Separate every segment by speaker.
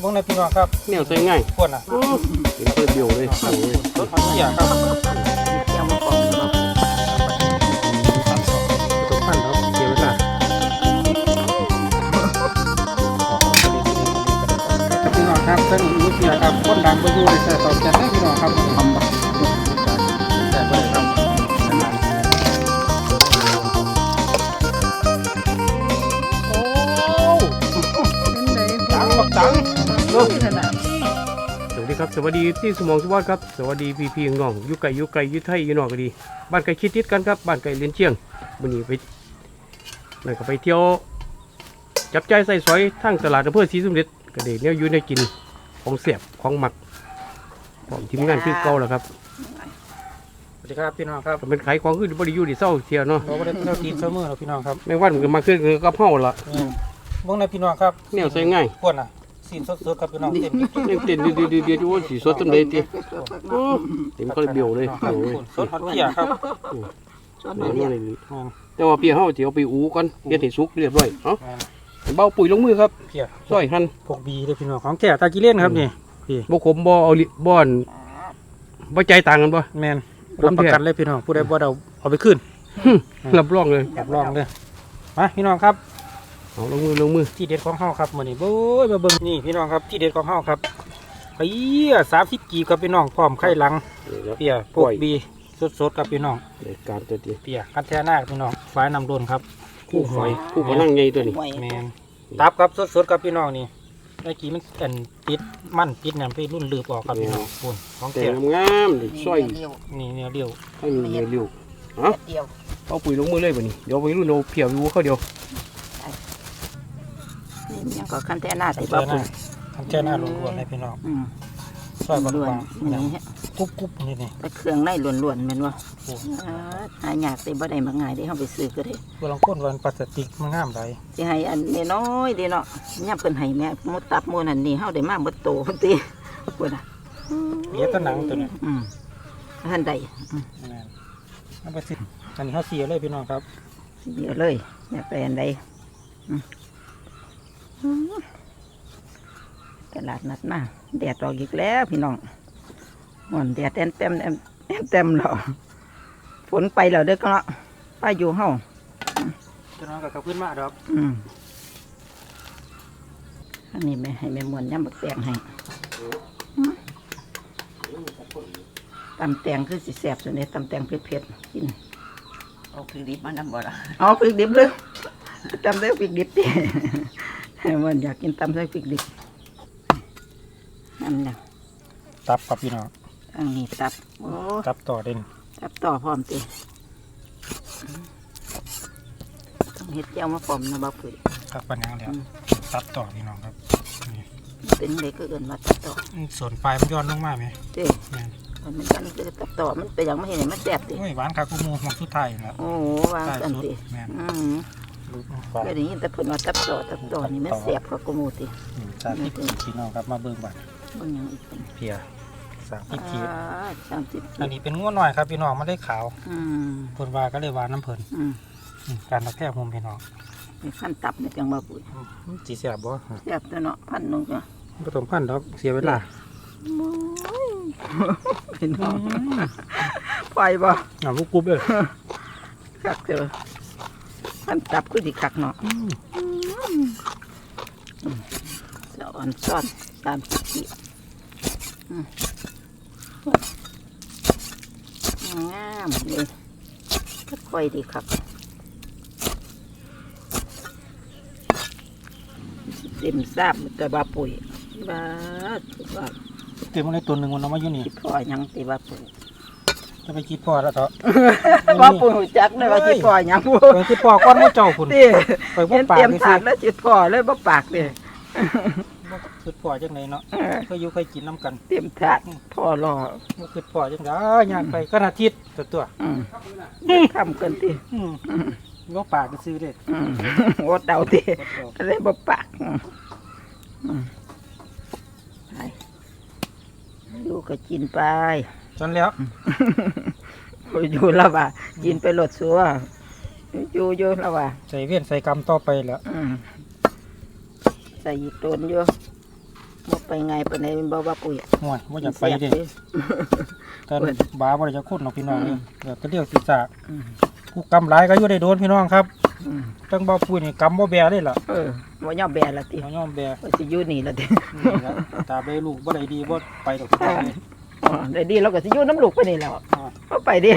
Speaker 1: วงในพี่น้องครับ
Speaker 2: เนี่ยใส่ง่าย
Speaker 1: ขวดน่ะ
Speaker 2: เป็นเพื่อเบี้ยวเลย
Speaker 1: รถเสียครับ
Speaker 3: เจ้ามาปอกเรา
Speaker 2: ต้องปั้นครับเกี่ยวไว้ละ
Speaker 1: พี่น้องครับท่านรู้เสียครับคนดังไปดูเลยแต่ตอบแทนให้พี่น้องครับทำแบบแต่ไม่ได้ครับโอ้จังบักจัง
Speaker 2: สวัสดีครับสวัสดีที่สมองสวัสดิ์ครับสวัสดีพี่น้องอยู่ไกลอยู่ไทยอยู่นอกก็ดีบ้านไกลคิดติดกันครับบ้านไกลเลียนเชียงวันนี้ไปนั่นก็ไปเที่ยวจับใจใส่สอยทั้งตลาดอำเภอศรีสมเด็จก็ได้เนี่ยอยู่ในกินของเสียบของหมักผมทีมงานคือเก่าแล้วครับ
Speaker 1: สวัสดีครับพี่น้องครับ
Speaker 2: เป็นขายของคือบริยูดีเศร้าเที่ยวเนาะ
Speaker 1: เราก็ได้เที่ยวตีนเสมอเราพี่น้องครับ
Speaker 2: ไม่ว่ามันมาขึ้นก็เผาละ
Speaker 1: วงในพี่น้องครับ
Speaker 2: เนี่ยใส่ง่าย
Speaker 1: ขวดน่ะสีสดๆครับพี่น้องเต็ม
Speaker 2: เต็มดีว่าสีสดตั้งเลยตีเต็มก็เลยเบี้ยวเลย
Speaker 1: สดฮอตเกียครับ
Speaker 2: แต่ว่าเปียเขาจะเอาไปอูกันเปียให้สุกเรียบร้อยเนาะเบาปุ๋ยลงมือครับ
Speaker 1: เปีย
Speaker 2: ซอยหั่น
Speaker 1: พวกบีเลยพี่น้องของแก่ตากิเล่นครับนี่พี่
Speaker 2: บ่ขมบ่เอาบ่อนบ่ใจต่างกันบ่
Speaker 1: แมนรับประกันเลยพี่น้องผู้ใดบ่เอาไปขึ้น
Speaker 2: รับรองเลย
Speaker 1: มาพี่น้องครับ
Speaker 2: เอาลงมือ
Speaker 1: ที่เด็ดของเฮาครับมื้อนี้โอ้ยมาเบิ่งนี่พี่น้องครับที่เด็ดของเฮาครับเปีย30กีบกับพี่น้องพร้อมไข่หลังเปียพวกบีสดๆกับพี่น้อง
Speaker 2: การตัวดี
Speaker 1: เปียคันแท้หน้าพี่น้องฝายน้ำโดนครับ
Speaker 2: คู่หอยคู่พลังใหญ่ตัวนี้
Speaker 1: แมนตับครับสดๆกับพี่น้องนี่เมื่อกี้มันติดมันติดเนี่ยไปรุ่นลืบออกกับพี่น้องคุณของ
Speaker 2: แต่งามๆซอย
Speaker 1: นี่เนี่ยเดียว
Speaker 2: ให้มีเดียวฮะเอาปุ๋ยลงมือเลยบ่นี่เดี๋ยวไปรุ่นเอาเพียวอยู่เข้าเดียว
Speaker 3: นี่ยังก็คันแท้หน้าใส่บ้าปุ๋ย
Speaker 1: คันแท้หน้าล้วนๆเลยพี่น้องซอยบางๆนี่กุ๊บนี่
Speaker 3: เครื่องในล้วนๆแม่นว่าหายากแต่บ่ได้มาง่ายได้เฮาไปซื้อก็ได้
Speaker 1: บ่ลองก้นวันพลาสติกมันงามได้
Speaker 3: สิให้อันน้อยๆเด้เนาะย่ำเพิ่นให้แม่หมดตับหมดนั่นนี่เฮาได้มาหมดโตพุ่นติพุ่นน่ะ
Speaker 1: เบี้ยต้นหนังตัวนี้
Speaker 3: ท่านใด
Speaker 1: เอาไปสิอันนี้เฮาเสียเลยพี่น้องครับ
Speaker 3: เสียเลยแม่ไปอันใดตลาดนัดมาแดดออกอีกแล้วพี่น้องมันแดดเต็มแล้วฝนไปแล้วเด้อก็เนาะไปอยู่เฮา
Speaker 1: พี่น้องกับขึ้นมาดอก
Speaker 3: อันนี้แม่ให้แม่มวนย่ำบักแตงให้ตำแตงคือสิแสบส่วนนี้ตำแตงเผ็ดกิน
Speaker 4: เอาพริกดิบมานำบ่ล่ะ
Speaker 3: เอาพริกดิบเลยตำใส่พริกดิบดิให้มันอยากกินตำใส่พริกดิบอันนี้
Speaker 1: ตับกับพี่น้อง
Speaker 3: อันนี้ตับโอ้
Speaker 1: ตับต่อเด่น
Speaker 3: ตับต่อพร้อมตีต้องเห็ดเจ้ามาพร้อมนะบ้าปุ๋ย
Speaker 1: ครับปัญญาแล้วตับต่อพี่น้องครับ
Speaker 3: เป็นเล็กก็เกินมาตับต่อ
Speaker 1: ส่วนปลายมันย้อนลงมาไหม
Speaker 3: เจ๊มันคือตับต่อมันไปยังไม่เห็นมันแสบตี
Speaker 1: หวานคากุมูหมักสุดไทยนะ
Speaker 3: โอ้หวานกันตีก็อย่างนี้แต่ผลว่าตับต่อนี่มันแสบคากุมูตี
Speaker 1: สามสิบพี่น้องครับมาเบิ่งบัตรเพีย30 ขีดอันนี้เป็นง้วหน่อยครับพี่น้องไม่ได้ขาวผลวาก็เลยหวานน้ำเพลินการตะแคบมุมพี่น้อง
Speaker 3: มีขั้นตับในจังบาปุ๋ย
Speaker 1: จีเสียบบ่
Speaker 3: เสียบตัวเนาะพันนึงจ้ะ
Speaker 1: ผสมพันแล้วเสียเวลา
Speaker 3: พี่น้องไปบ่
Speaker 1: ลูกกุ๊บเลย
Speaker 3: กักเจอขั้นตับคือดีกักเนาะซ้อน30 ขีดงามเลยค่อยดีครับเต็มซาบแต่บาปุ๋ยบ้า
Speaker 1: เต็มอะไรตัวหนึ่งมันเอามาอยู่นี่
Speaker 3: พ่อยังตีบาปุ๋ย
Speaker 1: จะไปคิดพ่อแล้วเถอะ
Speaker 3: บาปุ๋ยจักเลยว่าคิดพ่อยัง
Speaker 1: ไปคิดพ่อก้อนไม่เจ้าคุณ
Speaker 3: ไปบ่ปากเตรียมถาดแล้วคิดพ่อเลยบ่ปากเลย
Speaker 1: คือพ่อจังไหนเนาะเคยอยู่เคยกินน้ำกัน
Speaker 3: เตรียมถาดพ่อรอ
Speaker 1: คือพ่อจังไงย่างไปก็อาทิตย์ตัว
Speaker 3: ทำกันตี
Speaker 1: ก็ปากก็ซื้อเลย
Speaker 3: วดเดาตีอะไรบ่ปากอยู่ก็กินไป
Speaker 1: จนแล้ว
Speaker 3: อยู่แล้วว่ากินไปหลดซัวอยู่แล้วว่า
Speaker 1: ใส่เวียนใส่กำต่อไปแล้ว
Speaker 3: ใส่ยีต้นอยู่บ่ไปไงปานใดบ่ว่าปุ๋ย
Speaker 1: ห่วยว่าอยากไปเด้ตอนบ้าบ่ได้จะคุ้นเนาะพี่น้องเดี๋ยวจะเรียกศีรษะผู้กำหลายก็อยู่ได้โดนพี่น้องครับตั้งบ่ปุ้ยนี่กำบ่แบเลยล่ะ
Speaker 3: บ่ยอมแบละติ
Speaker 1: บ่ยอมแบ
Speaker 3: ว่าสิอยู่นี่ละติ
Speaker 1: ตาเบลูกบ่ได้ดีบ่ไปดอก
Speaker 3: ได้ดีเราก็สิอยู่น้ำลูกไปนี่แล้วบ่ไปดิ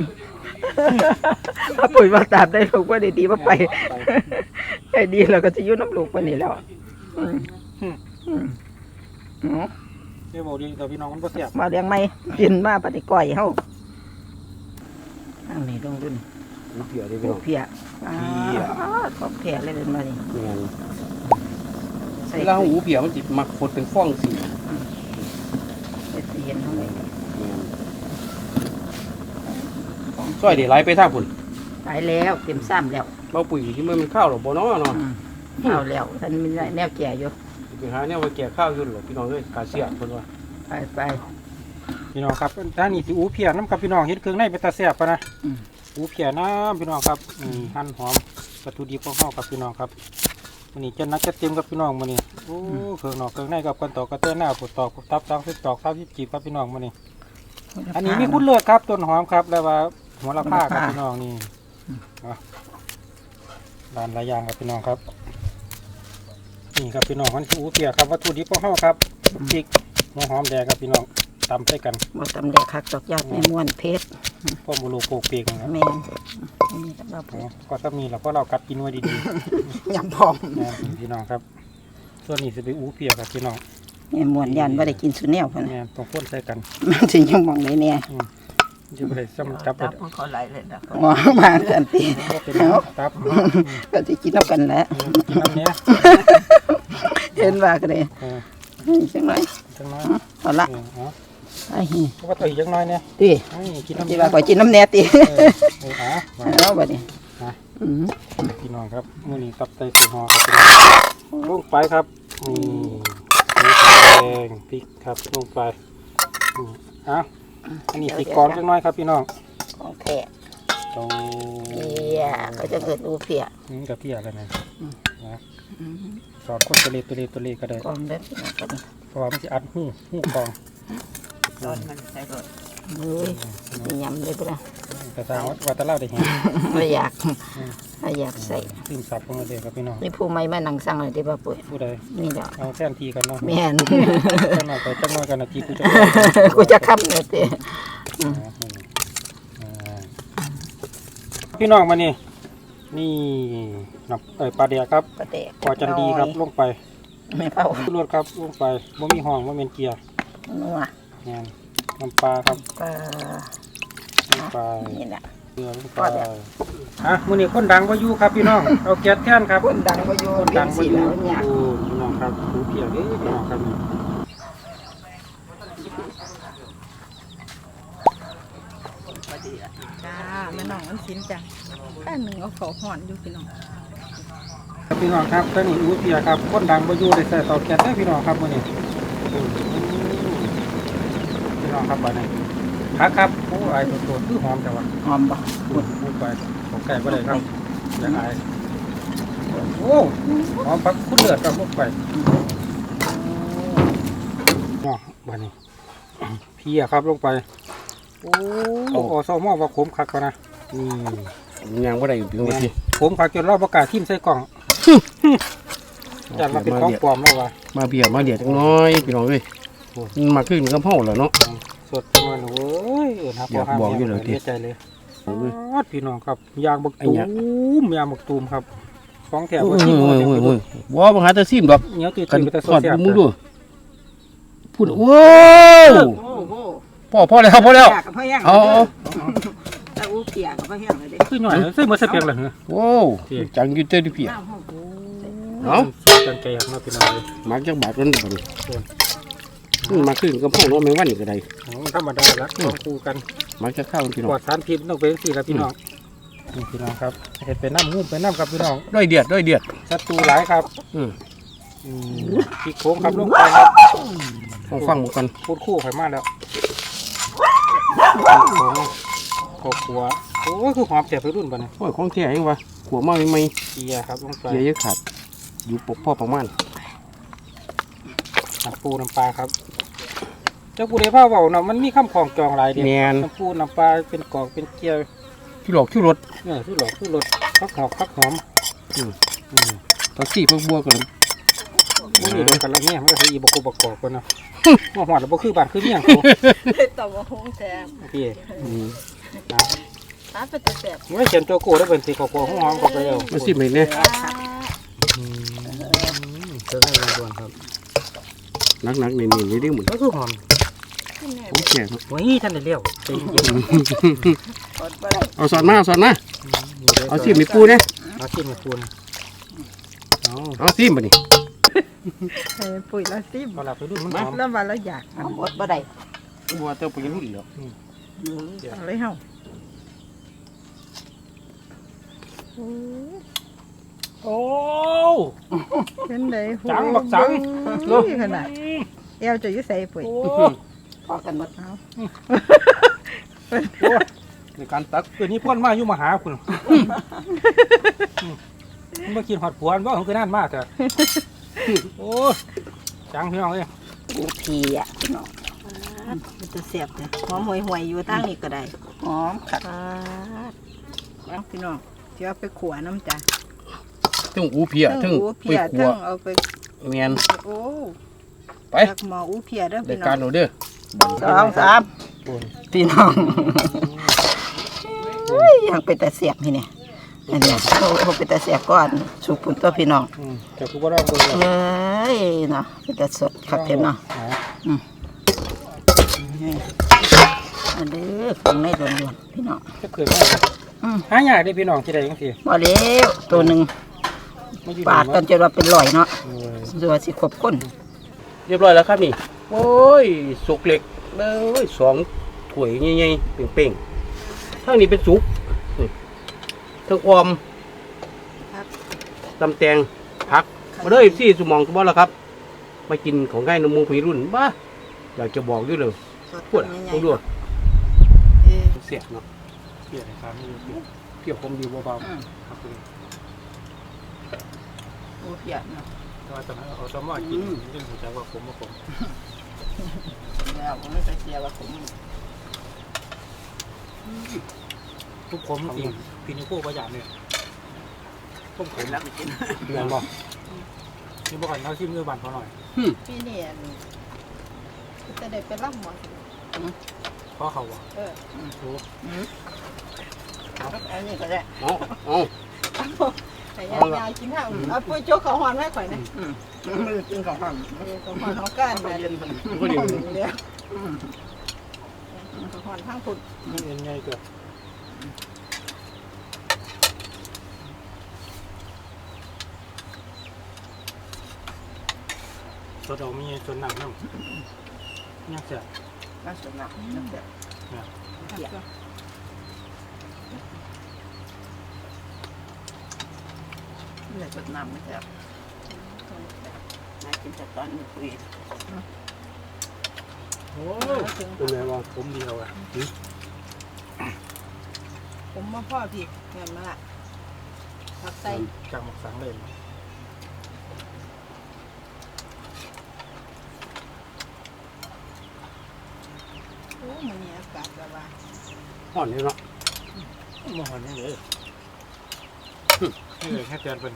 Speaker 3: ถ้าปุ๋ยว่าตามได้ลูกบ่ได้ดีบ่ไปได้ดีเราก็สิอยู่น้ำลูกไปนี่แล้ว
Speaker 1: เดี๋ยวบอกดีต่อพี่น้องมันบ่แซ่บ
Speaker 3: มาเลี้ยงไหมกินมาปฏิก้อยเฮาทางนี้ลงดุน
Speaker 2: หูเพียได้พี่น้อง
Speaker 3: เพียของเพียเลยมานี่
Speaker 2: แม่นเวลาหูเพียมันสิมักฟดเป็นฟองสี
Speaker 3: เห็นเท่าไหร่
Speaker 2: ซอยได้หลายไปทางพุ่น
Speaker 3: ตายแล้วเต็มซ้ำแล้ว
Speaker 2: เบาปุ๋ยที่มันข้าวหรอบ่เนาะ
Speaker 3: ข้าวแล้วท่านมีแนวแก่อยู่
Speaker 2: ไปหาแนวว่าแก่ข้าวอยู่หรอพี่น้องเอ้ยกาเสียเพิ่นว่า
Speaker 3: ไป
Speaker 1: พี่น้องครับด้านนี้สิอูเพียน้ำกับพี่น้องเฮ็ดเครื่องในเป็นตาแซ่บปะนะอูเพียน้ำพี่น้องครับหั่นหอมวัตถุดิบของเฮากับพี่น้องครับวันนี้จะนัดจะเต็มกับพี่น้องมื้อนี้โอ้เครื่องนอกเครื่องในกับกันตอกกระเตื้อหน้าปวดตอกปวดตับ30ตอก30จีบครับพี่น้องมื้อนี้อันนี้มีคุณเลิศครับต้นหอมครับแล้วว่าหัวละผ้าครับพี่น้องนี่ด้านหลายอย่างครับพี่น้องครับนี่ครับพี่น้องมันคืออูเพียครับวัตถุดิบของเฮาครับพริกหัวหอมแดงครับพี่น้องตำใส่กัน
Speaker 3: บ่ตำแดกคักดอกยาดแม่ม่วนเพชร
Speaker 1: พ่อบุรุษโปกเปียกนะครับ
Speaker 3: แม่นี่
Speaker 1: ก็ถ้ามีเราก็เรากัดกินไว้ดี
Speaker 3: ๆยำพร้อม
Speaker 1: พี่น้องครับส่วนนี้จะไปอูเพียกับพี่น้อง
Speaker 3: แม่ม่วนยันว่าได้กินสุแนวเพิ่น
Speaker 1: ต้องพ่นใส่กัน
Speaker 3: มันสิยังมองได้แน่
Speaker 1: จะไปได้ซ้ำจับ
Speaker 4: มันเขาไหลเลยนะ
Speaker 3: มากันติ
Speaker 1: ตับ
Speaker 3: ก็สิกินเอากันแหละ
Speaker 1: กินน้ำเนี้ย
Speaker 3: เห็นว่าก็ได้จังไรเอาละไอ้
Speaker 1: ก็ว่าตัวอีกจังน้อยเนี่ย
Speaker 3: ตี
Speaker 1: กินน้ำ
Speaker 3: ตีว่าก่อยกินน้ำเนี้ยตีแล้วแบบนี้
Speaker 1: พี่น้องครับมื้อนี้ตับไตสีหอครับลงไปครับแดงพริกครับลงไปอันนี้สีกรจังน้อยครับพี่น้อง
Speaker 3: ของแท้เพียก็จะเกิดอูเพีย
Speaker 1: กับเพียอะไรนะสอนคนตัวเล็กก็ได้
Speaker 3: กองเล็ก
Speaker 1: เพราะว่ามันจะอัดหูกอง
Speaker 4: ตอนมันใส่รถ
Speaker 3: ยำเลยป่ะ
Speaker 1: แต่ทางวัดตะเล่าได้เห็น
Speaker 3: ไม่อยากใส่
Speaker 1: ซิมสับของเราเด็กครับพี่น้อง
Speaker 3: นี่ผู้ไม่มานั่งสั่งเลยที่บ้าปุ๋ย
Speaker 1: ผู้ใด
Speaker 3: นี่เดี๋ยว
Speaker 1: เอาแท่นทีกันเนาะ
Speaker 3: แม่น
Speaker 1: จังหน่อยไปจังหน่อยกันนาที
Speaker 3: กูจะค้ำเลยเต้
Speaker 1: พี่น้องมานี่ปลาเดียครับปลาจันดีครับลงไป
Speaker 3: ไม่เผา
Speaker 1: ลวดครับลงไปบ่มีห้องบ่เมนเกียร์
Speaker 3: นัว
Speaker 1: น้ำปลาครับ
Speaker 3: ปลานี่แหละ
Speaker 1: เกลือลงไปมื้อนี้คนดังบ่อยู่ครับพี่น้องเอาแก๊สแท่นครับ
Speaker 3: คนดังบ่อยู่
Speaker 1: พี่น้องครับดูเพียเด้อพี่น้องครับ
Speaker 3: จ้าแม่น้องมันสินจ้ะแค่หนึ่งเอาเขาห่อนอยู่พี่น้อง
Speaker 1: ครับพี่น้องครับตอนนี้อูเพียครับคนดังบ่อยู่ได้ใส่เตาแก๊สได้พี่น้องครับมื้อนี้พี่น้องครับบัดนี้ครับโอ้ยตัวคือหอมจังวะ
Speaker 3: หอมบ่
Speaker 1: พูดไปของไก่บ่ได้ครับจะอายโอ้หอมพักคุณเลือดครับลงไปบัดนี้เพียครับลงไปโอ้ซอมอว่าขมคักกว่านะ
Speaker 2: นี่ยังบ่ได้อยู่ตรงนี้
Speaker 1: ขมคักจนเราประกาศทิ่มใส่กล่องจัดมาเป็นของปลอมแล้ววะ
Speaker 2: มาเบียมาเดียดจังน้อยพี่น้องเอ้ยมาขึ้นกับเฮาแล้วเนาะ
Speaker 1: สดจังเลยโอ้ยนะ
Speaker 2: อยากบอกอยู่เลย
Speaker 1: ใจเลยพี่น้องครับยางบักตูมครับของแถวว่าที่
Speaker 2: ว่าบังหาแต่ซิมดอก
Speaker 1: เนี้ยตื่นไปแต่โซเชียล
Speaker 2: มึงดูพูดว้าวพ่อแล้วเอา
Speaker 3: แต่อูเปียกับพ่อแห้งเลย
Speaker 1: คือหน่อยใส่หมดใส่เปียกเลย
Speaker 2: โว้จังอยู่เต้ดิเปียเนาะ
Speaker 1: จังใจครับพี่น้องเลย
Speaker 2: มักจังบาดกันบ่นี่มาขึ้นกับพ่อน้องแมงวันนี่ก็ได้
Speaker 1: ธรรมดาละต้องคู่กัน
Speaker 2: มักจะเข้าพี่น้อง
Speaker 1: ปลอดสารพิษต้องเป็นสี่ละพี่น้องพี่น้องครับเห็ดเป็นน้ำงูเป็นน้ำกับพี่น้อง
Speaker 2: ด้วยเดือด
Speaker 1: ศัตรูหลายครับพี่โค้งครับลงไปครับ
Speaker 2: ฟังกัน
Speaker 1: พูดคู่ไขมันแล้วโค้งขัวโอ้คือหอมแสบไปรุ่นป่ะเนี่ย
Speaker 2: โอ้ยของแท้ยังวะขัวมาไม่
Speaker 1: เกียร์ครับลงไป
Speaker 2: เกียร์เยอะขาดอยู่ปกพ่อประมาณ
Speaker 1: น้ำปูน้ำปลาครับเจ้าปูได้ผ้าเบาเนาะมันมีข้ามของจองหลายเดียว
Speaker 2: แม่น
Speaker 1: น้ำปูน้ำปลาเป็นกอกเป็นเกี๊ยว
Speaker 2: ที่หลอกที่รถ
Speaker 1: เนี่ยที่หลอกที่รสพักหอกพักหอม
Speaker 2: ผักชีผักบัวกัน
Speaker 1: มันอยู่ด้วยกันแล้วเนี่ยมันก็คืออีบกบกอกกันเนาะหัวหอดแล้วบ่คือบ้านคือเมี่ยงเขา
Speaker 5: ต่อมาหงแซม
Speaker 1: พี่
Speaker 5: ถ้าเป็นตัวแสบ
Speaker 1: ไม่เขียนตัวโก้ได้เป็นสีขาวๆหัวหอมก็ไปแล้ว
Speaker 2: มาสิบเมตรเนี่ย
Speaker 1: เจอได้ด่วนครับ
Speaker 2: นักๆนี่นี่ได้หมด
Speaker 1: ก็คือหอม
Speaker 2: ผมแข็ง
Speaker 1: โอ้ยท่านได้เลี้ยวใจเย็น
Speaker 2: เอาสอนมาเอาสิมีปูเนี่ย
Speaker 1: เอาชิมให้คุณเอา
Speaker 2: เอาสิมาดิ
Speaker 3: ปุ๋ยละซิม
Speaker 1: พอเราไปดูมันหอม
Speaker 3: แล้ววันละอยาก
Speaker 4: เอาหมดบ่ได้
Speaker 2: บัวเต้าไปรุ่นแล้ว
Speaker 3: เอาเลยเฮา
Speaker 1: โอ้
Speaker 3: เป็นได
Speaker 1: จังบักจัง
Speaker 3: นี่ขนาดเอวจะอยู่ใส่ปุ๋ย
Speaker 4: พอกันหมด
Speaker 3: เอา
Speaker 1: ในการตักเกิดนี้พ่นมาอยู่มาหาคุณมันมากินหอดผัวว่าของคือนั่นมากแต่โอ้จังพี่น้องเอ้ย
Speaker 4: กูพีอ่ะพี่น้อง
Speaker 3: มันจะเสียบเลยหอมห่วยๆอยู่ตั้งนี่ก็ได้
Speaker 4: หอมขัด
Speaker 3: เอาพี่น้องเดี๋ยวเอาไปขัวน้ำจ้ะ
Speaker 2: ถึงอูเพียถึง
Speaker 3: อู
Speaker 2: ไป
Speaker 3: เพีย
Speaker 2: ขั
Speaker 3: ทั้
Speaker 2: ว
Speaker 3: งเอาไป
Speaker 2: เมียน
Speaker 3: โอ้
Speaker 2: ไป
Speaker 3: จากหมออูเพียเด้อ
Speaker 2: ราย
Speaker 3: พี่น้
Speaker 2: กา
Speaker 3: อ
Speaker 2: รง เราเด้อ
Speaker 4: 2 3พี่น้องยังเป็นแต่เสียบพี่เนี่ยอันนี้เขาเป็นแต่เสียบก่อนสุกปุ่นตัวพี่น้อง
Speaker 1: แต่กูก็ร้องกูเลย
Speaker 4: เอ้ยเนาะเป็นแต่สดครับเห็นเนาะอันนี้ข้างในล้วนๆพี่น้อง
Speaker 1: จะเกิดมาหายากได้พี่น้องที่ใดจังซี่
Speaker 4: บ่เลี้ยวตัวหนึ่ง
Speaker 1: ไม่อยู่
Speaker 4: ปาดกันจนว่าเป็นร้อยเนาะส่วนสิครบคน
Speaker 2: เรียบร้อยแล้วครับนี่โอ้ยสุกเหล็กเลย2ถ้วยใหญ่ๆเป่งๆทั้งนี้เป็นสุกทั้งความตำแตงผักมาเลยซี่สมองสมบัติแล้วครับมากินของง่ายนมูผีรุ่นบ้าอยากจะบอกด้วยเลยปวดต้องดูเสียเนาะ
Speaker 1: เปลี่ยนครับไม่รู้เปลี่ยน
Speaker 2: เพียวคมดีเบา
Speaker 1: ครับคุณ
Speaker 4: อูเพียเนาะ
Speaker 1: แต่ว่าตอนนั้นเอาสมอกินเรื่องหัวใจว่าผมว่าผม
Speaker 4: แล้วผมไม่ใช่เสียว่าผม
Speaker 1: ทุกผมจริงพี่นิโก้ประหยัดเนี่ยต้มขมแล้วกิน
Speaker 2: ๆเงินบอก
Speaker 1: นี่บอกก่อนเราชิมด้วยบันพอหน่อย
Speaker 3: พี่นี่จะได้ไปรับหมอ
Speaker 1: เพราะเขาว่า
Speaker 4: อันนี้ก็ได้
Speaker 2: เอา
Speaker 3: แต่ยายกินข้าวเอาปุ้ยโจ๊กข้าวหอมให้ข่อยนะ
Speaker 4: มือกินของผม
Speaker 3: ข้าวหอมเขาก้านแบบ
Speaker 2: ก็ดี
Speaker 3: เดียวข้าวหอมทั้งผุด
Speaker 1: นี่เอ็นไงเกิดตัวเรามีส่วนหนักน้ำเนี่ยเสีย
Speaker 4: น่าสนใจน่าเสีย เหลือจดน้ำไม่ใช่นายกินแต่ตอนนี้คุย
Speaker 1: โอ้เป็นไงบ้างผมดีเอาอ่ะ
Speaker 3: ผมมาพ่อพี่เงินมาละผักใส่
Speaker 1: จากหมกสังเลย
Speaker 3: โอ้มันนี่อากาศแบบว่า
Speaker 2: ห่อนนี่เนาะ
Speaker 1: มองนี่เลยนี่เลยแค่เตือนเป็น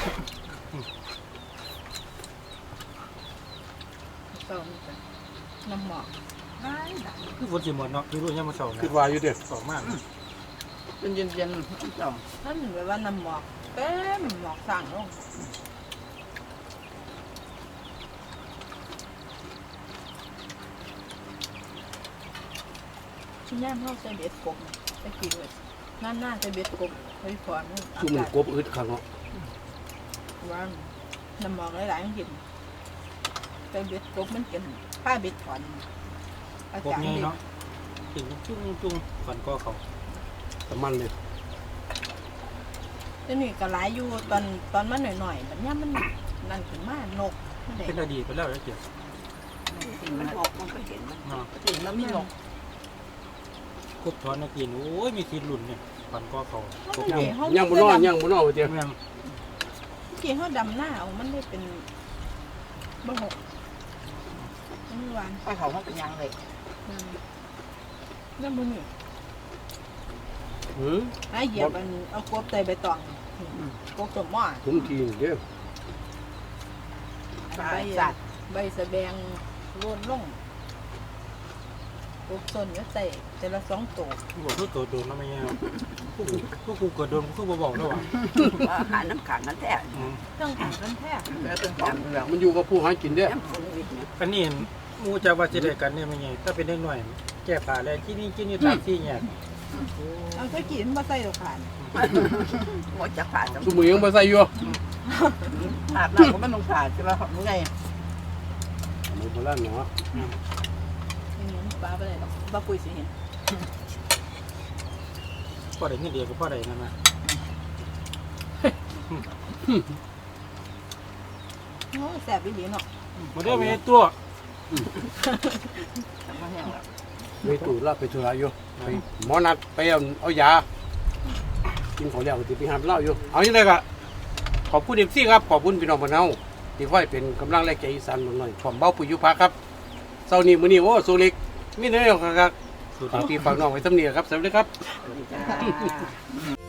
Speaker 3: เติมน้ำหมอกได้
Speaker 1: คือฝนจีหมดเนาะคือรู้ยังมาสอง
Speaker 2: คิดว่าอยู่เด้อ
Speaker 1: สองมาก
Speaker 4: เป็นเย็นๆจ้อง
Speaker 3: นั่นแบบว่าน้ำหมอกเต็มหมอกสั่งลงที่ย่ามเขาใส่เบ็ดกบไปกินเลยนั่นน่าจะเบ็ดกบไปพร
Speaker 2: ชุ่มมันกบอึดข้างเนาะ
Speaker 3: ว่าน้ำหมอกหลายๆมันกินไปเบ็ดกบมันกินผ้าเบ็ดถอนอา
Speaker 1: พวก
Speaker 3: จารย์
Speaker 1: นี้
Speaker 3: เด็ก
Speaker 1: เนาะกินจุ้งฝันก็เขา
Speaker 2: ตะมันเลย
Speaker 3: จะนี่ก็หลายอยู่ตอนมันหน่อยๆแบบนี้มันนั่นขึ้นมานกมันได้
Speaker 1: เป็นอดีตไปแล้วเกี่ยว
Speaker 4: สิ่งมันออกมันก็เห็นมัน
Speaker 1: เนาะ
Speaker 4: สิ่งมันไม่หลง
Speaker 1: คุบถอนนักกินโอ้ยมีทีรุ่นเนี่ยฝันก็เขา
Speaker 2: ยังบุนอนยังบุนอนเดียว
Speaker 1: เมือง
Speaker 3: ที่เขาดำหน้าเอามันได้เป็นบ่หก
Speaker 5: หวาน
Speaker 3: ไปเขามันเป็นยังเลย
Speaker 5: น้ำมันนี่
Speaker 2: หืม
Speaker 5: ไอ้เหยียบมันเอากบใส่ใบตองกบสมหม้อ
Speaker 2: ผมทีนเด้อ
Speaker 3: สัตว์
Speaker 5: ใบสะแบงโล้นลงกบส้นก็ใส่แต่ละ2 ตัว
Speaker 1: บอกทุกตัวโดนแล้วไม่แย่พวกกูเกิดโดนพวกกูบอกแล้วว่ะ
Speaker 3: อาหารน้ำขังนั่นแท้
Speaker 5: ต้องแข่งกันแท้
Speaker 3: แล้วเป็นของ
Speaker 2: แล้วมันอยู่กับผู้หากินเด้อ
Speaker 3: น้ำฝนวิทย์เนี่ย
Speaker 1: อันนี้มูจะว่าจะได้กันเนี่ยไม่แย่ถ้าเป็นเด็กหน่อยแก้ผ้าแล้วที่นี่ตามที่เนี่ย
Speaker 5: เอาตะกี้มันมาใส่ดอกผ่าน
Speaker 3: หมดจะผ่าจะ
Speaker 2: สมุยยังบ่ใส่อยู่
Speaker 3: อาบน้ำก็ไม่ต้องผ่าใช่ไหมมึงไง
Speaker 2: มันโบราณเนาะ
Speaker 5: อย่างนี้ปลาไปเลยหรอกปลาปุยสิเห็น
Speaker 1: พ่อได้เงินเดียวกับพ่อได้นั่นนะ
Speaker 5: โอ้แสบอีหลีเนาะ
Speaker 1: มาเด้อไม่ตัว
Speaker 2: ไม่ตู่ลาไปธุระอยู่ไปหมอนัดไปเอายากินของแล้วสิไปหาเหล้าอยู่เอาอย่างไรก็ขอบคุณFCครับขอบคุณพี่น้องบ้านเฮาที่ค่อยเป็นกำลังแรงใจอีสานหน่อยผมเบาปุ๋ยยุพาครับเช้านี้มื้อนี้โอ้โซเล็กมีเนื้อครับฝากพี่ฝากน้องไว้สำเนียครับสวัสดีครับ
Speaker 3: จ้า